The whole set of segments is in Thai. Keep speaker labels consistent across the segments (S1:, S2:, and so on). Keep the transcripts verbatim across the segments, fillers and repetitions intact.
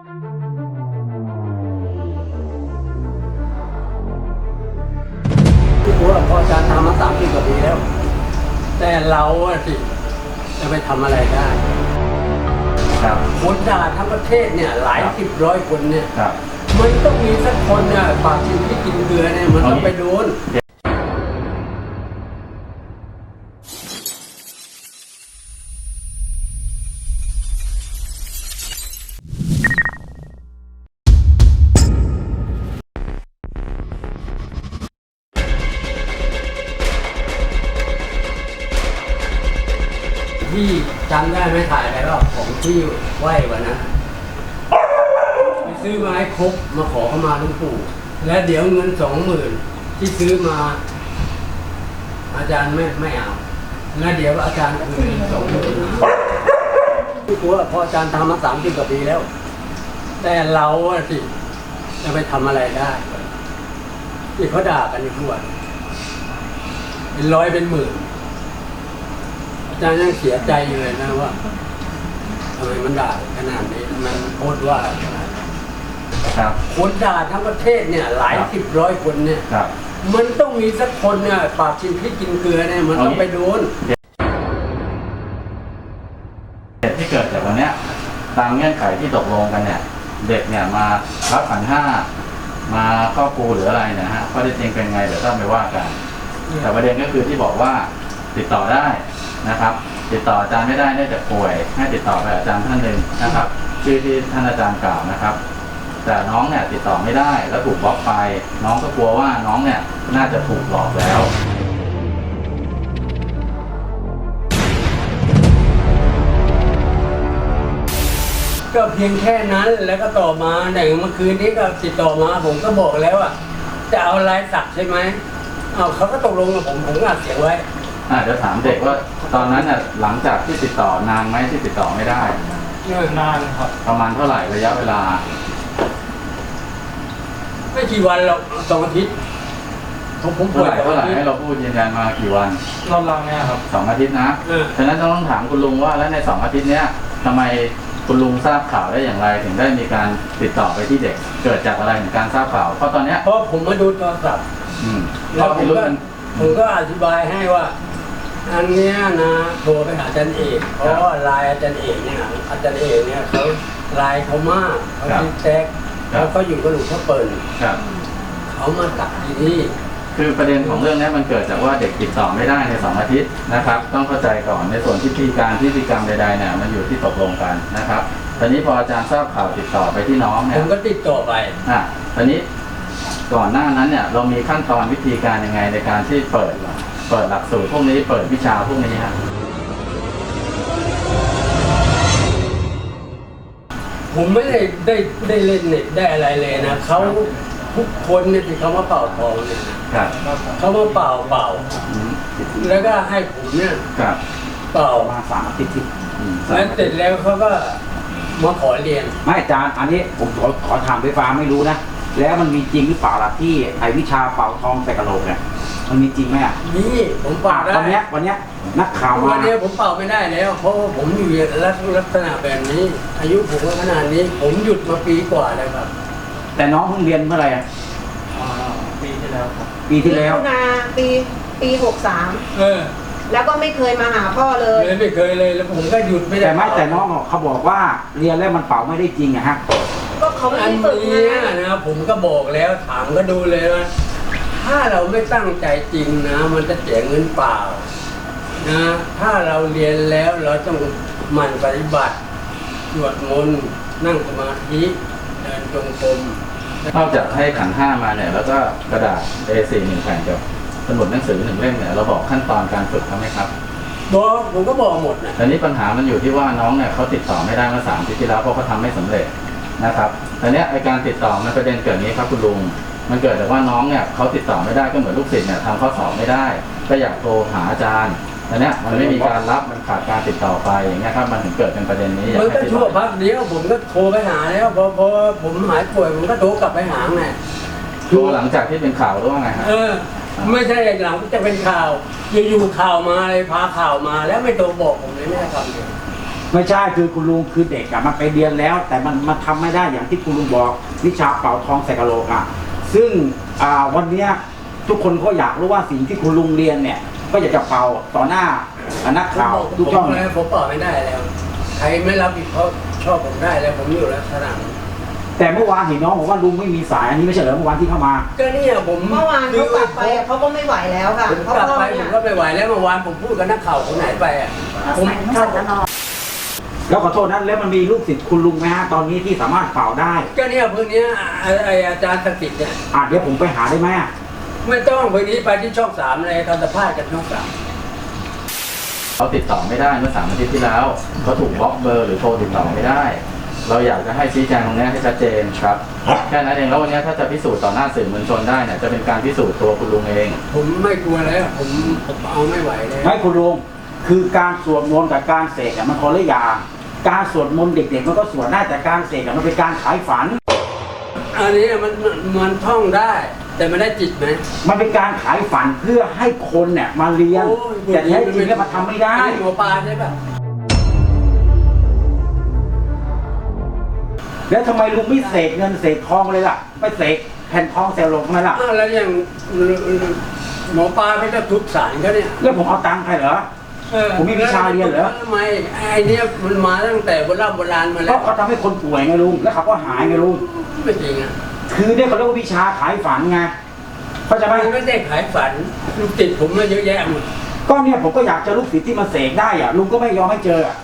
S1: ที่ผมว่าพออาจารย์ทำมาสามสิบกว่าปีแล้วแต่เราสิจะไปทำอะไรได้ครับคนด่าทั้งประเทศเนี่ยหลายสิบร้อยคนเนี่ยมันต้องมีสักคนเนี่ยปากกินที่กินเกลือเนี่ยมันต้องไปโดนที่จำได้ไหมถ่ายอะไรก็ของที่ไหววันนั้นไปซื้อไม้ครบมาขอเข้ามาหลวงปู่และเดี๋ยวเงินสองหมื่นที่ซื้อมาอาจารย์ไม่ไม่เอาแล้วเดี๋ยวอาจารย์คืนสองหมื่นที่ผมว่าพออาจารย์ทำมาสามสิบกว่าปีแล้วแต่เราสิจะไปทำอะไรได้ที่เขาด่ากันอยู่ทุกวันเป็นร้อยเป็นหมื่นอาจารย์ยังเสียใจอยู่เลยนะว่าทำไมมันด่าขนาดนี้มันโคตรว่าขนาดนี้ครับคนด่าทั้งประเทศเนี่ยหลายสิบร้อยคนเนี่ยมันต้องมีสักคนเนี่ยปากกินพริกกินเกลือเนี่ยมันต้องไปโดน
S2: เหตุที่เกิดจากวันนี้ตามเงื่อนไขที่ตกลงกันเนี่ยเด็กเนี่ยมารับขันห้ามาครอบครูหรืออะไรนะฮะข้อเท็จจริงเป็นไงเดี๋ยวต้องไปว่ากันแต่ประเด็นก็คือที่บอกว่าติดต่อได้นะครับติดต่ออาจารย์ไม่ได้เนื่องจากป่วยให้ติดต่อไปอาจารย์ท่านหนึ่งนะครับชื่อที่ท่านอาจารย์กล่าวนะครับแต่น้องเนี่ยติดต่อไม่ได้แล้วถูกบล็อกไปน้องก็กลัวว่าน้องเนี่ยน่าจะถูกหลอกแล้ว
S1: ก็เพียงแค่นั้นแล้วก็ต่อมาอย่างเมื่อคืนนี้ก็ติดต่อมาผมก็บอกแล้วอ่ะจะเอาลายสักใช่ไหมเอาเขาก็ตกลงกับผมผมก็อัดเสียงไว้
S2: อ่าเดี๋ยวถามเด็กว่าตอนนั้นน่ะหลังจากที่ติดต่อนานไหมที่ติดต่อไม่ได้
S1: นานครับ
S2: ประมาณเท่าไหร่ระยะเวลา
S1: ไม่กี่วันหรอกสองอาทิตย์
S2: ผมผมป่วยเท่าไหร่ให้เราพูดยืนยันมากี่วัน
S1: รอบๆเนี่ยครับ
S2: สองอาทิตย์นะฉะนั้นต้องถามคุณลุงว่าแล้วในสองอาทิตย์เนี้ยทำไมคุณลุงทราบข่าวได้อย่างไรถึงได้มีการติดต่อไปที่เด็กเกิดจากอะไรถึงการทราบข่าวเพราะตอนเนี้ย
S1: เพราะผมมาดูโทรศัพท์แล้วผมก็ผมก็อธิบายให้ว่าอันเนี้ยนะโทรไปหาอาจารย์เอกเพราะว่าไลน์อาจารย์เอกเนี่ยอาจารย์เอกเนี่ยเขาไลน์เขามากเขาติดแท็กแล้วก็อยู่กับหลวงพ่อเปิ่นเขามาตัดที่นี่
S2: คือประเด็นของเรื่องนี้มันเกิดจากว่าเด็กติดต่อไม่ได้ในสองอาทิตย์นะครับต้องเข้าใจก่อนในส่วนที่พิธีการพิธีกรรมใดๆเนี่ยมันอยู่ที่ตกลงกันนะครับตอนนี้พออาจารย์ทราบข่าวติดต่อไปที่น้องเนี่ย
S1: ผมก็ติดต่อไป
S2: อ่ะตอนนี้ก่อนหน้านั้นเนี่ยเรามีขั้นตอนวิธีการยังไงในการที่เปิดเปิดหลักสูตรพวกนี้เปิดวิชาพวกนี้ฮะ
S1: ผมไม่ได้ได้ได้เล่นเน็ตได้อะไรเลยนะเขาทุกคนเนี่ยที่เขามาเป่าทองเนี่ยเขามาเป่าเป่าแล้วก็ให้ผมเนี่ยเป่า
S3: มาสามอาทิตย์
S1: แล้วเสร็จแล้วเขาก็มาขอเรียน
S3: ไม่อาจารย์อันนี้ผมขอขอถามไฟฟ้าไม่รู้นะแล้วมันมีจริงหรือเปล่าล่ะที่ไอวิชาเป่าทองใส่กระโหลกเนี่ยมันมีจริงไหมอ่ะ
S1: นี่ผมเป่าได้
S3: วันนี้วันนี้นักข่าวมา
S1: วันนี้ผมเป่าไม่ได้แล้วเพราะผมอยู่ลักษณะแบบนี้อายุผมก็ขนาดนี้ผมหยุดมาปีกว่าแล้วครับ
S3: แต่น้องเพิ่งเรียนเมื่อไหร่อ่ะ
S1: ปีที่แล้ว
S3: ปีที่แล้ว
S4: นาปีปีหกสาม
S1: เออ
S4: แล้วก็ไม่เคยมาหาพ่อเลย
S1: ไม่เคยเลยแล้วผมก็หยุดไม่ได้
S3: แต่ไม่แต่น้องเขาบอกว่าเรียนแล้วมันเป่าไม่ได้จริงอะฮะ
S4: ก็เขาไม่
S1: ได้ฝึกนะนะผมก็บอกแล้วถามก็ดูเลยว่าถ้าเราไม่ตั้งใจจริงนะมันจะเสียเงินเปล่านะถ้าเราเรียนแล้วเราต้องหมั่นปฏิบัติสวดมนต์นั่งสมาธิเดินจงกรม
S2: นอกจากให้ขันห้ามาเนี่ยแล้วก็กระดาษ เอ สี่ หนึ่งแผ่นกับสมุดหนังสือหนึ่งเล่มเนี่ยเราบอกขั้นตอนการฝึกเขาไหมครับ
S1: บอกผมก็บอกหมดนะ
S2: แต่นี้ปัญหามันอยู่ที่ว่าน้องเนี่ยเขาติดต่อไม่ได้เมื่อสามปีที่แล้วเพราะเขาทำไม่สำเร็จนะครับแต่เนี้ยไอการติดต่อมันประเด็นเกิดนี้ครับคุณลุงมันเกิดจากว่าน้องเนี่ยเขาติดต่อไม่ได้ก็เหมือนลูกศิษย์เนี่ยทำข้อสอบไม่ได้ก็อยากโทรหาอาจารย์แต่เนี้ยมันไม่มีการรับมันขาดการติดต่อไปอย่างเงี้ยครับมันถึงเกิดเป็นประเด็นนี้
S1: มันก็ชั่วพักเดียวผมก็โทรไปหาแล้วพอพอผมหายป่วยผมก็โทรกลับไปหาไง
S2: โทรหลังจากที่เป็นข่าวหรือว่าไงฮะ
S1: เออไม่ใช่หลังจะเป็นข่าวอยู่ๆข่าวมาเลยพาข่าวมาแล้วไม่โทรบอกผมเลยไม่ได้ทำเลย
S3: ไม่ใช่คือคุณลุงคือเด็กอะมันไปเรียนแล้ว แต่มันมันทำไม่ได้อย่างที่คุณลุงบอกวิชาเป่าทองใส่กะโหลกอะซึ่งอ่าวันเนี้ยทุกคนก็อยากรู้ว่าสิ่งที่คุณลุงเรียนเนี่ย ก็อยากจะเป่าต่อหน้านักข่าวทุกช่อง
S1: ผมแล้วผมเป่าไม่ได้แล้ว ใครไม่รับผิดเขาชอบผมได้แล้วผมอยู่แล้วสนาม
S3: แต่เมื่อวานเห็นน้องบอกว่าลุงไม่มีสายอันนี้ไม่ใช่เหรอเมื่อวานที่เข้ามา
S1: ก็เนี่ยผม
S4: เมื่อวานเขากลับไปอะเขาก็ไม่ไหวแล้วค่ะ
S1: ผม
S4: เพราะ
S1: กลับ
S4: พ่อ
S1: ไปผ
S4: เนี่
S1: ม
S4: ย
S1: ก็ไม่ไหวแล้วเมื่อวานผมพูดกับนักข่าวคนไหนไปอ่ะผม
S5: ต้องใส่ตลอด
S3: แล้วขอโทษนั้นแล้วมันมีลูกศิษย์คุณลุงไหมฮะตอนนี้ที่สามารถเป่าได้
S1: ก็เนี่ยเพิ่งเนี้ยไอ้ไอ้อาจารย์สกิดเนี่ย
S3: อ่ะเดี๋ยวผมไปหาได้ไหมอะ
S1: ไม่ต้องเพิ่งนี้ไปที่ช่องสามเลยตอนสัมภาษณ์กันช่องสาม
S2: เขาติดต่อไม่ได้เมื่อสามอาทิตย์ที่แล้วเขาถูกบล็อกเบอร์หรือโทรติดต่อไม่ได้ เราอยากจะให้ชี้แจงตรงนี้ให้ชัดเจนครับแค่นั้นเองแล้ววันนี้ถ้าจะพิสูจน์ต่อหน้าสื่อมวลชนได้เนี่ยจะเป็นการพิสูจน์ตัวคุณลุงเอง
S1: ผมไม่กลัวแล้วผมผมเอาไม่ไหวแล้ว
S3: ไม่คุณลุงคือการสวดมนต์กับการเสกอะมันคนละอย่างการสวดมนต์เด็กๆมันก็สวดได้แต่การเสกอะมันเป็นการขายฝัน
S1: อันนี้มันมันท่องได้ แต่ไม่ได้จิตไหม
S3: มันเป็นการขายฝันเพื่อให้คนเนี่ยมาเรียน
S1: โอ้ย
S3: แต่แท้จริงแล้วมันทำไม่ได้
S1: อันนี้หัวปลาใช่ปะ
S3: แล้วทำไมลุงไม่เสกเงินเสกทองเลยล่ะไม่เสกแผ่นทองเซลลงทำไมล่ะ
S1: อ้าวแล้วอย่างหมอปลาไม่ได้ทุบสารเขาเนี่ย
S3: แล้วผมเอาตังค์ใครเหรอ
S1: เออ
S3: ผมมีวิชาเรียนเหรอ
S1: ทำไมไอ้เนี่ยมันมาตั้งแต่โบราณโบราณมา
S3: เพ
S1: แล้ว
S3: ราะเขาทำให้คนป่วยไงลุงแล้วเขาก็หายไงลุง
S1: ไม่จริงอ่ะ
S3: คือเนี่ยเขาเรียกว่าวิชาขายฝันไงเข้าใจไหม
S1: มันไม่ได้ขายฝันลูกติดผมมาเยอะแยะหมด
S3: ก็เนี่ยผมก็อยากเจอลูกศิษย์ที่มาเสกได้อ่ะลุงก็ไม่ยอมให้เจออะ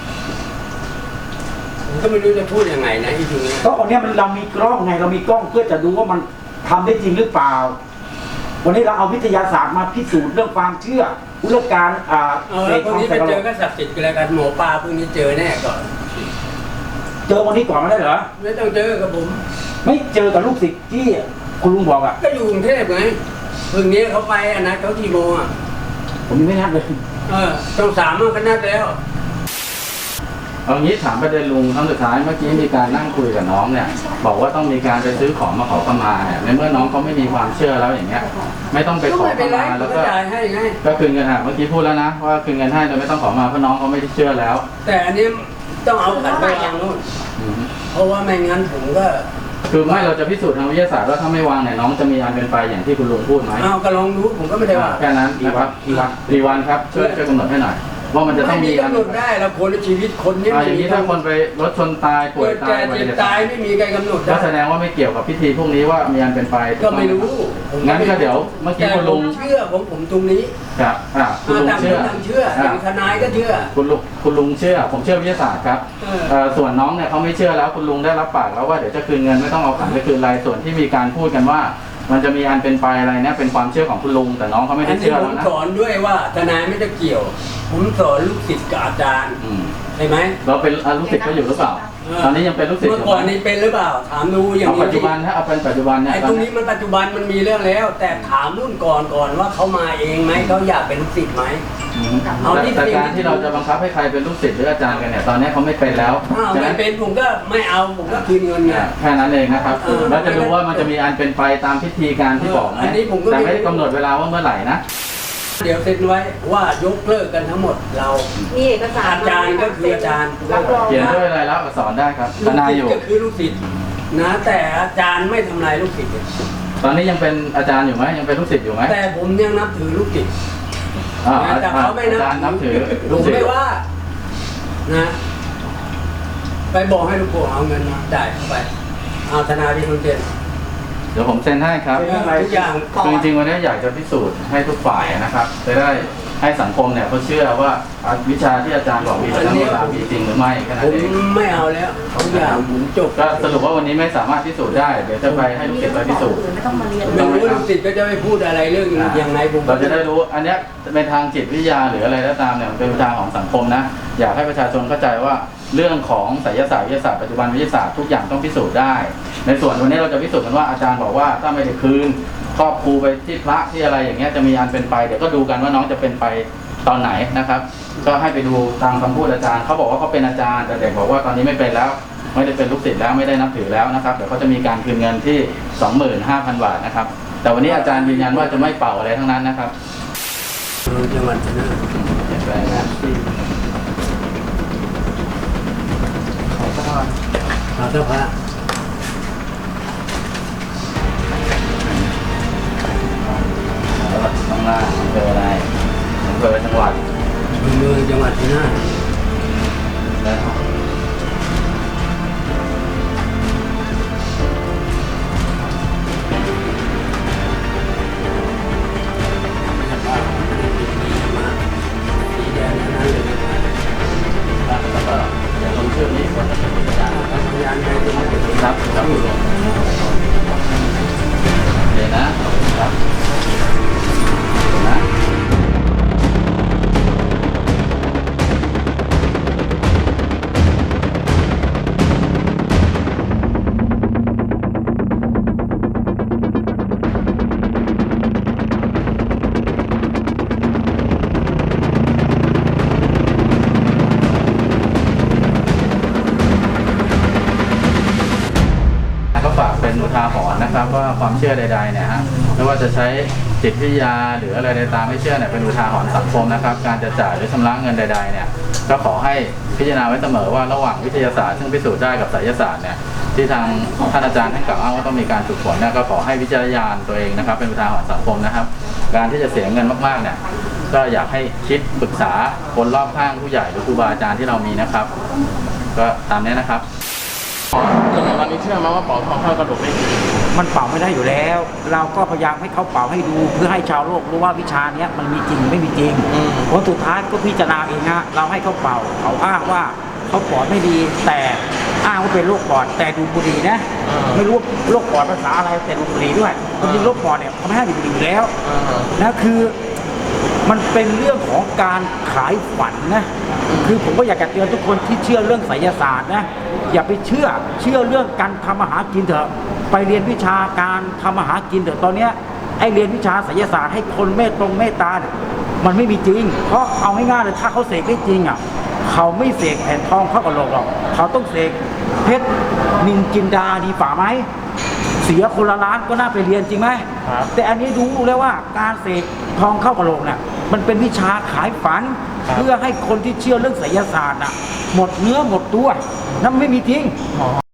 S1: ผมก็ไม่รู้จะพูดยังไงนะอีกทีนี้
S3: เพราะวันเนี้ยมันเรามีกล้องไงเรามีกล้องเพื่อจะดูว่ามันทำได้จริงหรือเปล่า วันนี้เราเอาวิทยาศาสตร์มาพิสูจน์เรื่องความเชื่อเรื่องการอ่า
S1: เอา
S3: เส
S1: แล้ว
S3: ก
S1: พรุ่
S3: ท
S1: ง
S3: อง
S1: นี้
S3: ใส่
S1: ไป
S3: กระโห
S1: เจ
S3: ล
S1: อก ก็ศักดิ์สิทธิ์กันแล้วกันหมอปลาพรุ่งนี้เจอแน่ก่อน
S3: เจอวันนี้ก่อนไม่ได้เหรอ
S1: ไม่ต้องเจอกับผม
S3: ไม่เจอกับลูกศิษย์ที่คุณลุงบอกอ่ะ
S1: ก็อยู่กรุงเทพไงพรุ่งนี้เขาไปอันนั้นเขากี่โมงอ่ะ
S3: ผมยังไม่นัดเลย
S1: เออช่องสามมันก็นัดแล้ว
S2: เอางี้ถามประเด็นลุงครั้งสุดท้ายเมื่อกี้มีการนั่งคุยกับน้องเนี่ยบอกว่าต้องมีการไปซื้อของมาขอขมาเนี่ยในเมื่อน้องเขาไม่มีความเชื่อแล้วอย่างเงี้ยไม่ต้องไป
S1: ก็
S2: ขอ
S1: ไม่
S2: ข
S1: เป็นไร
S2: มา
S1: ก็
S2: แล้วก็
S1: จ่ายให้ไง
S2: ก็คืนเงินอ่ะเมื่อกี้พูดแล้วนะว่าคืนเงินให้โดยไม่ต้องขอมาเพราะน้องเขาไม่ได้เชื่อแล้ว
S1: แต่อันนี้ต้องเอาขันไปวางนู่น
S2: อืม
S1: เพราะว่าไม่งั้นผมก็
S2: คือไม่เราจะพิสูจน์ทางวิทยาศาสตร์ว่าถ้าไม่วางเนี่ยน้องจะมีอันเป็นไปอย่างที่คุณลุงพูดไหม
S1: เอาก็ลองดูผมก็ไม่ได้ว่า
S2: แค่นั้นนะครับกี่วันกี่วันครับช่วยช่วยกำหนดให้หน่อยว่ามันจะต้
S1: ไม่
S2: อง
S1: มี
S2: มีอัน
S1: กำหนดได้แล้วคนในชีวิตคนนี้
S2: อ่าอย่างนี้ถ้าคนไปรถชนตายป่ว
S1: เกิ
S2: ย
S1: ด
S2: ตา
S1: แก่
S2: ยอุบั
S1: เจ็
S2: ติ
S1: บ
S2: เหตุ
S1: ตายไม่มีใครกำหนด
S2: ก็
S1: ได้
S2: แสดงว่าไม่เกี่ยวกับพิธีพวกนี้ว่ามีอันเป็นไป
S1: ก็ไม่รู้ผ
S2: งั้นก็เดี๋ยวเมื่อกี้
S1: แต่
S2: คุณ
S1: ผ
S2: ลุ
S1: ม
S2: ง
S1: เชื่อของผมตรงนี้
S2: ครับอ่าคุณลุง
S1: ต่างค
S2: เชื่อน
S1: ต่างเชื่ออย่างทนายก็เชื่อ
S2: คุณลุงคุณลุงเชื่อ ผมเชื่อวิทยาศาสตร์ครับ
S1: เออ
S2: เอ่อส่วนน้องเนี่ยเขาไม่เชื่อแล้วคุณลุงได้รับปากแล้วว่าเดี๋ยวจะคืนเงินไม่ต้องเอาขันไปคืนอะไรส่วนที่มีการพูดกันว่า มันจะมีอันเป็นไปอะไรเนี่ยเป็นความเชื่อของคุณลุงแต่น้องเขาไม่
S1: อั
S2: ได้
S1: นนี้
S2: เชื่อ
S1: ผ
S2: แล้ว
S1: ม
S2: นะ
S1: สอนด้วยว่าทนายไม่ได้เกี่ยว ผมสอนลูกศิษย์กับอาจารย์
S2: อืม
S1: ใช่ไหม
S2: เราเป็นอ่ะลูกศิษย์เขาอยู่หรือเปล่า ตอนนี้ยังเป็นลูกศิษย์
S1: เมื่
S2: อ
S1: อยู่ ก่อน
S2: ไหม
S1: นี้เป็นหรือเปล่า ถามดูอย่าง
S2: เอา
S1: นี้
S2: ปัจจุบันถ้าเอาเป็นปัจจุบันเนี่ย
S1: ไอ้
S2: ตอ
S1: ตร
S2: น
S1: ง
S2: นี้
S1: นี้มันปัจจุบันมันมีเรื่องแล้ว แต่ถามรุ่นก่อนก่อนว่าเขามาเองไหมเขาอยากเป็นลูกศิษย์ไหม
S2: อืม
S1: เอาที่
S2: แต่การที่เราจะบังคับให้ใครเป็นลูกศิษย์หรืออาจารย์กันเนี่ยตอนนี้เขาไม่เป็นแล้ว
S1: อ้าว
S2: ฉะ
S1: ไม่
S2: นั้น
S1: เป็นผมก็ไม่เอาผมก็คืนเงินไง
S2: แค่นั้นเองนะครับ
S1: เออ
S2: แล้วจะดูว่ามันจะมีอันเป็นไปตามพิธีการที่บอกไหม
S1: อันนี้ผมก็
S2: แต่
S1: ไม่
S2: ไม่ได้กำหนดเวลาว่าเมื่อไหร่นะ
S1: เดี๋ยวเซ็นไว้ว่ายกเลิกกันทั้งหมดเรา
S4: มีเอกสาร
S1: อาจารย์ก็คืออาจารย์
S4: รับรอง
S2: เขียน
S4: ว่า
S2: ด้วยลายลักษณ์อักษรได้ครับท
S1: ลูก
S2: นาย
S1: ศิษ
S2: อยู่
S1: ย์ก็คือลูกศิษย์นะแต่อาจารย์ไม่ทำลายลูกศิษย์
S2: ตอนนี้ยังเป็นอาจารย์อยู่ไหมยังเป็นลูกศิษย์อยู่ไหม
S1: แต่ผมยังนับถือลูกศิษย์
S2: อ่า
S1: นะแต่เขาไม่นับ
S2: อาจารย์นับถือ
S1: ผ
S2: ลูก
S1: ม
S2: ศิษ
S1: ไม่
S2: ย์
S1: ว่านะไปบอกให้ลูกโป่งเอาเงินมาจ่ายเข้าไปเอาธนาดีคนเจน
S2: เดี๋ยวผมเซ็นให้ครับ
S1: ทุกอย่าง
S2: คือจริงๆวันนี้อยากจะพิสูจน์ให้ทุกฝ่ายนะครับจะได้ให้สังคมเนี่ยเขาเชื่อว่าวิชาที่อาจารย์บอกมีประโยชน์มีจริงหรือไม่แค่นั้
S1: ผ
S2: น
S1: ม
S2: เอง
S1: ไม่เอาแล้วทุกอย่างผมจบ
S2: ก็สรุปว่าวันนี้ไม่สามารถพิสูจน์ได้เดี๋ยวจะไปให้ลูกศิษย์ไปพิสูจน์
S5: ไม่ต้องมาเรียน
S1: ไม่รู้ลูกศิษย์ก็จะไม่พูดอะไรเรื่องอย่างไรผม
S2: เราจะได้รู้อันเนี้ยเป็นทางจิตวิทยาหรืออะไรก็ตามเนี่ยมันเป็นทางของสังคมนะอยากให้ประชาชนเข้าใจว่าเรื่องของไสยศาสตร์วิทยาศาสตร์ปัจจุบันวิทยาศาสตร์ทุกอย่างต้องพิสูจน์ได้ ในส่วนวันนี้เราจะพิสูจน์กันว่าอาจารย์บอกว่าถ้าไม่ได้คืนครอบครูไปที่พระที่อะไรอย่างเงี้ยจะมีอันเป็นไปเดี๋ยวก็ดูกันว่าน้องจะเป็นไปตอนไหนนะครับ ก็ให้ไปดูตามคำพูดอาจารย์เขาบอกว่าเขาเป็นอาจารย์แต่เด็กบอกว่าตอนนี้ไม่เป็นแล้วไม่ได้เป็นลูกศิษย์แล้วไม่ได้นับถือแล้วนะครับเดี๋ยวเขาจะมีการคืนเงินที่ สองหมื่นห้าพัน บาทนะครับแต่วันนี้อาจารย์ยืนยันว่าจะไม่เป่าอะไรทั้งนั้นนะครับ
S1: จังหวัดชนะ
S2: เปลี่ยนแปลงนะ
S1: ขาเจ้าพระ
S2: แล้วข้างล่างอำเภออะไรอำเภอจังหวัด
S1: อำเภอจังหวัดชัยนาท
S2: แล้ว
S1: สีแดงทั้งนั้นเลยนะครับ
S2: แล้วก็เดี๋ยวลงชื่อนี้คนจะเป็นพยาน
S1: ทำพยานใครจะมาเป็น
S2: ครับครับคุณลุงโอเคนะขอบคุณครับนะ ก็ฝากเป็นอุทาหรณ์นะครับว่าความเชื่อใดๆเนี่ยฮะไม่ว่าจะใช้จิตวิทยาหรืออะไรใดตามไม่เชื่อเนี่ยเป็นอุทาหรณ์สังคมนะครับการจะจ่ายหรือชำระเงินใดๆเนี่ยก็ขอให้พิจารณาไว้เสมอว่าระหว่างวิทยาศาสตร์ซึ่งพิสูจน์ได้กับไสยศาสตร์เนี่ยที่ทางท่านอาจารย์ท่านกล่าวอ้างว่าต้องมีการฝึกฝนเนี่ยก็ขอให้วิจารณญาณตัวเองนะครับเป็นอุทาหรณ์สังคมนะครับการที่จะเสียเงินมากๆเนี่ยก็อยากให้คิดปรึกษาคนรอบข้างผู้ใหญ่หรือครูบาอาจารย์ที่เรามีนะครับก็ตามนี้นะครับจนถึงตอนนี้เชื่อไหมว่าเป๋าทองเข้ากระดูกไม่ดี
S3: มันเป่าไม่ได้อยู่แล้ว เราก็พยายามให้เขาเป่าให้ดูเพื่อให้ชาวโลกรู้ว่าวิชาเนี้ยมันมีจริงไม่มีจริงผลสุดท้ายก็พิจารณาเองฮะเราให้เขาเป่าเขาอ้างว่าเขาปอดไม่ดี แต่อ้างว่าเป็นโรคปอดแต่ดูดบุหรี่นะไม่รู้โรคปอดภาษาอะไรแต่ดูดบุหรี่ด้วยจริงๆโรคปอดเนี่ยเขาไม่ให้ดูดบุหรี่อยู่แล้วนะคือมันเป็นเรื่องของการขายฝันนะคือผมก็อยากจะเตือนทุกคนที่เชื่อเรื่องไสยศาสตร์นะอย่าไปเชื่อเชื่อเรื่องการทำอาหารกินเถอะไปเรียนวิชาการทำอาหารกินเถอะตอนเนี้ยไอเรียนวิชาไสยศาสตร์ให้คนเมตตรงเมตตาเนี่ยมันไม่มีจริงเพราะเอาง่ายๆเลยถ้าเขาเสกได้จริงอ่ะเขาไม่เสกแผ่นทองเข้ากระโหลกหรอกเขาต้องเสกเพชรนินจินดาดีฝ่าไหมเสียคนละล้านก็น่าไปเรียนจริงไหมแต่อันนี้รู้แล้วว่าการเสกทองเข้ากระโหลกเนี่ยมันเป็นวิชาขายฝันเพื่อให้คนที่เชื่อเรื่องไสยศาสตร์น่ะหมดเนื้อหมดตัวนั่นไม่มีจริง